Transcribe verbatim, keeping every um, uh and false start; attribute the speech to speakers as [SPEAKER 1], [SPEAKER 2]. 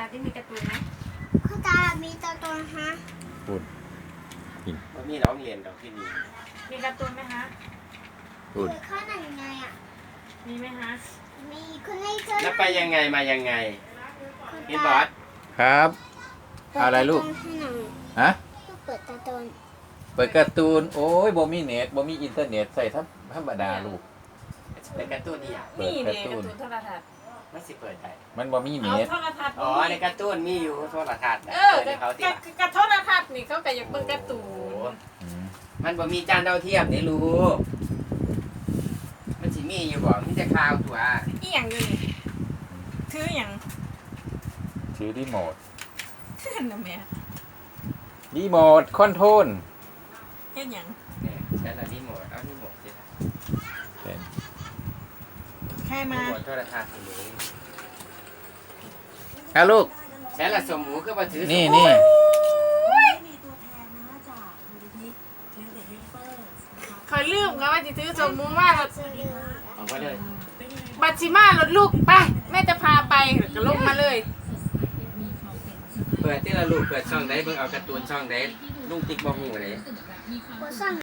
[SPEAKER 1] ที่มีการ์ตูนไหม
[SPEAKER 2] คุณตามีตัวตนฮะ
[SPEAKER 3] พูด
[SPEAKER 4] มันมีน้องเรียนดอกที่นี่
[SPEAKER 1] มีการ์ตูนไหมฮะ
[SPEAKER 3] พูด
[SPEAKER 2] คือข้อไหนไงอ่ะ
[SPEAKER 1] มีไหมฮะ
[SPEAKER 2] มีคุณให้เจอ
[SPEAKER 4] แล้วไปยังไงมายังไงพี่บอส
[SPEAKER 3] ครับอะไรลูกฮะ
[SPEAKER 2] เปิดตัวตน
[SPEAKER 3] เปิดการ์ตูนโอ้ยบ่มีเน็ตบ่มีอินเทอร์เน็ตใส่ธรรมดาลูก
[SPEAKER 4] เป็นการ์ตูนนี่อ่ะ
[SPEAKER 1] นี่เนี่ยการ์ตูนโทรทัศน์
[SPEAKER 4] ไม่สิเปิดได้
[SPEAKER 3] มันบ่มี
[SPEAKER 1] เอา
[SPEAKER 3] เน็ต
[SPEAKER 1] โทรทัศน์
[SPEAKER 4] อ๋อในการ์ตูนมีอยู่โทรทัศน์
[SPEAKER 1] เออเขาติดกับโทรทัศน์นี่เขาก็อยากเบิ่งการ์ตูน
[SPEAKER 4] มันบ่มีจานดาวเทียมนี่รู้มันสิมีอยู่บ่มีแต่ข่าวตัว
[SPEAKER 1] อีหยังอยู่นี่ถือหยัง
[SPEAKER 3] ถือรีโมท
[SPEAKER 1] นั่นน่ะแม่
[SPEAKER 3] รีโมทคอนโทรล
[SPEAKER 1] เฮ็ดหยัง
[SPEAKER 4] เนี่ยใช้ละรีโมทเอารีโมทสิ
[SPEAKER 1] ใครมา
[SPEAKER 4] รีโมทโทรทัศน์สิเลย
[SPEAKER 3] เอาลูก
[SPEAKER 4] ใช้ละสมหมูคือบ่ถือ
[SPEAKER 3] นี่นี่
[SPEAKER 1] คอยลืมเขาว่าสิถือสมมุติว่า
[SPEAKER 4] ออกมาเลย
[SPEAKER 1] บัตรสิมารถลูกไปแม่จะพาไปก็ลงมาเลย
[SPEAKER 4] เปิดที่ละลูกเปิดช่องไหนเบิ่งเอาการ์ตูนช่องไหนลุงติ๊กบ่ฮู้เลย
[SPEAKER 2] 我上